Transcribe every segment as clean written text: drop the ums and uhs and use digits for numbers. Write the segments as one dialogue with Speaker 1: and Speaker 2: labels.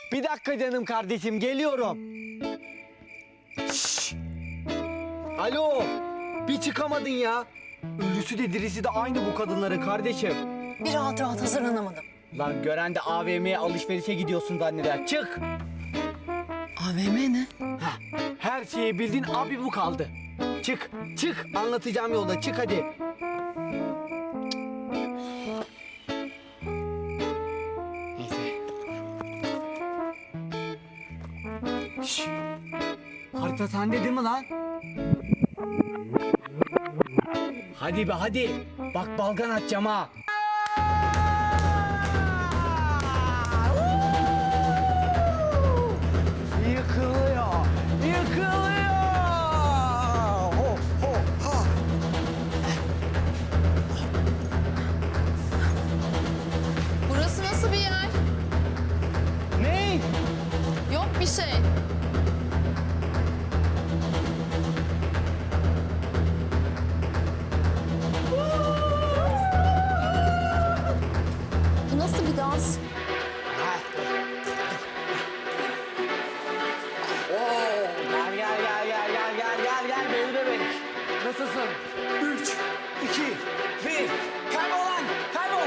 Speaker 1: Bir dakika canım kardeşim, geliyorum. Şşş! Alo, bir çıkamadın ya. Ölüsü de dirisi de aynı bu kadınların kardeşim.
Speaker 2: Bir rahat rahat hazırlanamadım.
Speaker 1: Lan gören de AVM'ye alışverişe gidiyorsun zanneder. Çık!
Speaker 2: AVM ne?
Speaker 1: Heh, her şeyi bildin, abi bu kaldı. Çık, çık. Anlatacağım yolda. Çık hadi. Neyse. Şşş. Harita sende değil mi lan? Hadi be hadi. Bak balgan atacağım ha. Yıkılıyor. Yıkılıyor. Ho ho ha.
Speaker 3: Burası nasıl bir yer?
Speaker 1: Ne?
Speaker 3: Yok bir şey. Bu nasıl bir dans?
Speaker 1: Gel beni bebek. Nasılsın? 3, 2, 1. Kaybol lan, kaybol.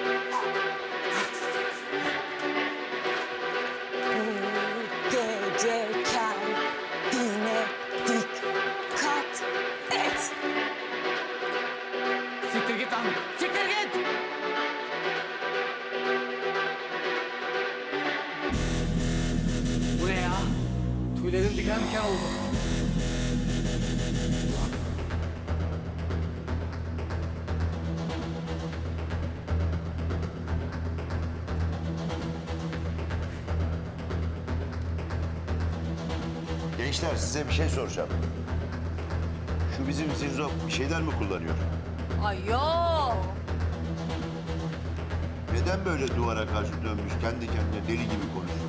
Speaker 2: Gece kendine dikkat et.
Speaker 1: Siktir git lan, siktir git. Bu ne ya? Tüylerim diken diken oldu.
Speaker 4: Gençler size bir şey soracağım. Şu bizim Zinzo bir şeyler mi kullanıyor?
Speaker 2: Ay yok.
Speaker 4: Neden böyle duvara karşı dönmüş kendi kendine deli gibi konuşuyor?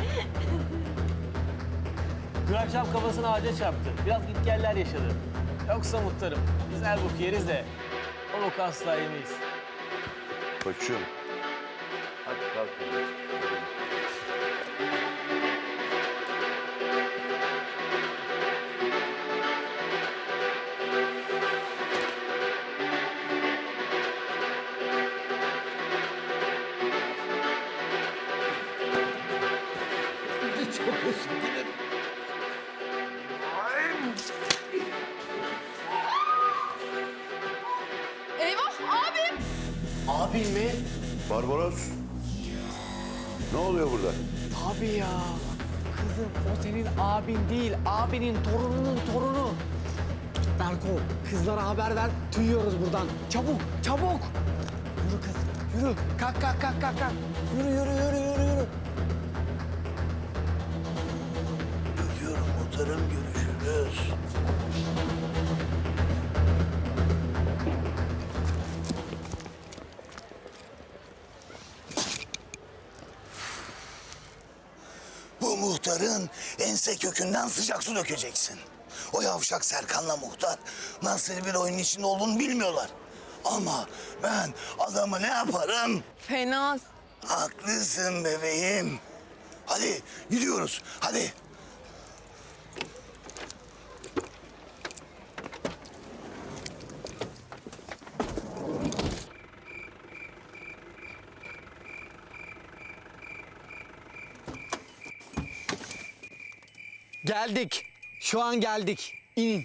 Speaker 5: Dün akşam kafasına ağaca çarptı. Biraz gitgeller yaşadı. Yoksa muhtarım, biz her boku yeriz de o boku asla yemeyiz.
Speaker 4: Koçum. Hadi kalk. Çok özür dilerim.
Speaker 3: Eyvah abim!
Speaker 1: Abin mi?
Speaker 4: Barbaros. Ne oluyor burada?
Speaker 1: Tabii ya. Kızım o senin abin değil, abinin torununun torunu. Berko, kızlara haber ver, tüyüyoruz buradan. Çabuk, çabuk. Yürü kız, yürü. Kalk, kalk, kalk, kalk, kalk. Yürü, yürü, yürü, yürü, yürü.
Speaker 4: Öpüyorum muhtarım, görüşürüz.
Speaker 6: Bu muhtarın ense kökünden sıcak su dökeceksin. O yavşak Serkan'la muhtar nasıl bir oyunun içinde olduğunu bilmiyorlar. Ama ben adamı ne yaparım?
Speaker 3: Fena.
Speaker 6: Haklısın bebeğim. Hadi gidiyoruz, hadi.
Speaker 1: Geldik. Şu an geldik. İnin.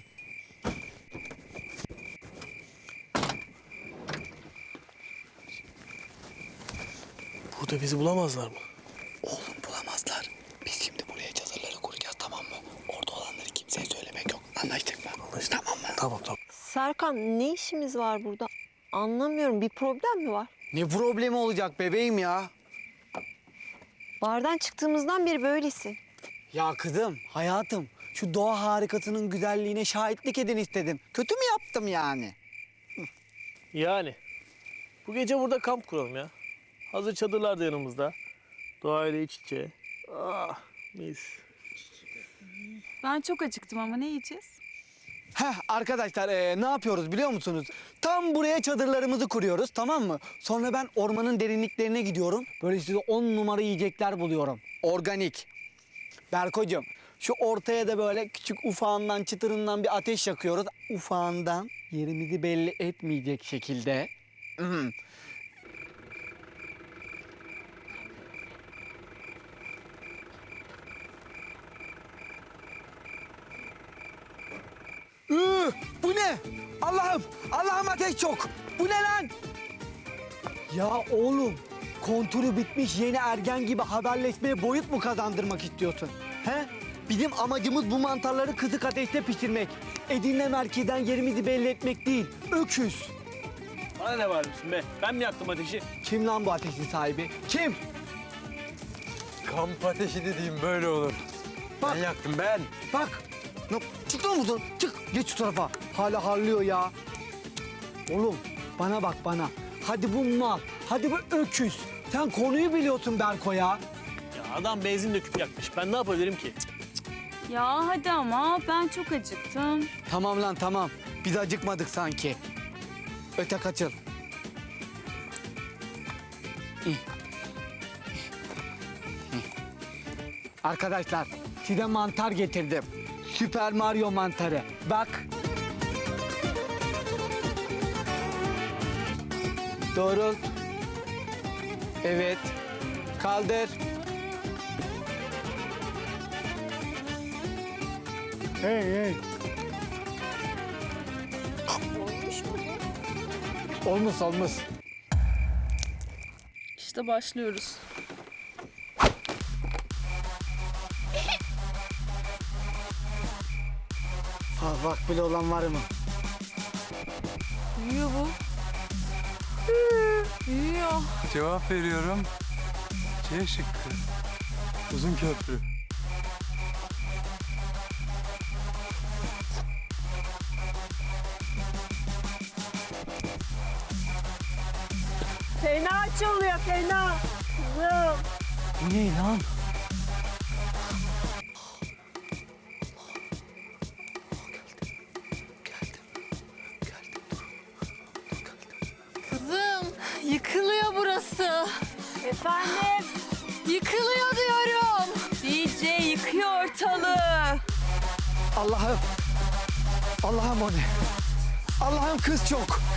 Speaker 5: Burada bizi bulamazlar mı?
Speaker 6: Oğlum bulamazlar. Biz şimdi buraya çadırları kuracağız, tamam mı? Orada olanları kimseye söylemek yok. Anlaştık mı?
Speaker 5: Anlaştık.
Speaker 6: Tamam mı?
Speaker 5: Tamam tamam.
Speaker 7: Serkan ne işimiz var burada? Anlamıyorum. Bir problem mi var?
Speaker 1: Ne problemi olacak bebeğim ya?
Speaker 7: Bardan çıktığımızdan beri böylesin.
Speaker 1: Ya kızım, hayatım. Şu doğa harikasının güzelliğine şahitlik edin istedim. Kötü mü yaptım yani?
Speaker 5: Yani bu gece burada kamp kuralım ya. Hazır çadırlar da yanımızda. Doğayla iç içe. Ah mis.
Speaker 8: Ben çok acıktım ama ne yiyeceğiz?
Speaker 1: Arkadaşlar ne yapıyoruz biliyor musunuz? Tam buraya çadırlarımızı kuruyoruz, tamam mı? Sonra ben ormanın derinliklerine gidiyorum. Böyle size 10 numara yiyecekler buluyorum. Organik. Berkocuğum, şu ortaya da böyle küçük ufağından, çıtırından bir ateş yakıyoruz. Ufağından yerimizi belli etmeyecek şekilde. Bu ne? Allah'ım, Allah'ım ateş çok. Bu ne lan? Ya oğlum, konturu bitmiş yeni ergen gibi haberleşmeye boyut mu kazandırmak istiyorsun? He? Bizim amacımız bu mantarları kızık ateşte pişirmek. Edirne merkezden yerimizi belli etmek değil. Öküz.
Speaker 5: Bana ne bağırıyorsun be? Ben mi yaktım ateşi?
Speaker 1: Kim lan bu ateşin sahibi? Kim?
Speaker 8: Kamp ateşi dediğim böyle olur.
Speaker 1: Bak.
Speaker 8: Ben yaktım ben.
Speaker 1: Bak. Çık lan buradan. Çık. Geç şu tarafa. Hala harlıyor ya. Oğlum bana bak bana. Hadi bu mal. Hadi bu öküz. Sen konuyu biliyorsun Berko ya.
Speaker 5: Ya adam benzin döküp yakmış. Ben ne yapabilirim ki?
Speaker 9: Ya hadi ama ben çok acıktım.
Speaker 1: Tamam lan tamam. Biz acıkmadık sanki. Öte kaçıl. Arkadaşlar size mantar getirdim. Süper Mario mantarı. Bak. Doğrult. Evet. Kaldır. Hey hey. Olmuş olmuş.
Speaker 9: İşte başlıyoruz.
Speaker 1: Bak bile olan var mı?
Speaker 9: Uyuyor bu. Uyuyor.
Speaker 8: Cevap veriyorum. C şıkkı. Uzun köprü.
Speaker 7: Fena çalıyor fena. Kızım.
Speaker 1: Bu ne lan?
Speaker 3: Kızım yıkılıyor burası.
Speaker 9: Efendim?
Speaker 3: Yıkılıyor diyorum.
Speaker 9: DJ yıkıyor ortalığı.
Speaker 1: Allah'ım. Allah'ım o ne? Allah'ım kız çok.